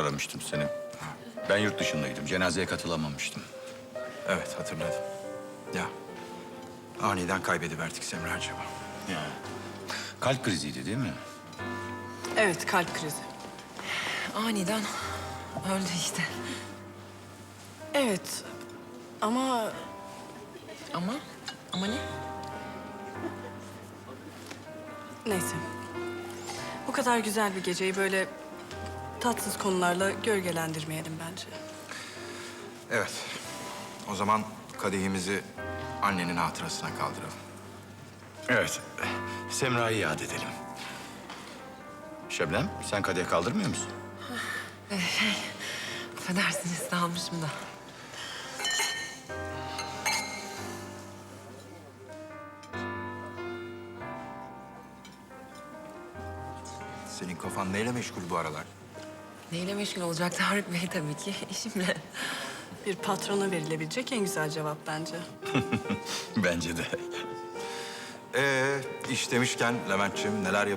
aramıştım seni. Ben yurt dışındaydım. Cenazeye katılamamıştım. Evet, hatırladım. Ya, aniden kaybediverdik Semracığımı. Ya. Kalp kriziydi değil mi? Evet, kalp krizi. Aniden öldü işte. Evet ama Ama ne? neyse. Bu kadar güzel bir geceyi böyle tatsız konularla gölgelendirmeyelim bence. Evet, o zaman kadehimizi annenin hatırasına kaldıralım. Evet. Semra'yı yad edelim. Şebnem, sen kadeh kaldırmıyor musun? Affedersiniz, dalmışım da. Senin kafan neyle meşgul bu aralar? Neyle meşgul olacak Tarık Bey tabii ki? İşimle. Bir patrona verilebilecek en güzel cevap bence. Bence de. İş demişken Leventciğim neler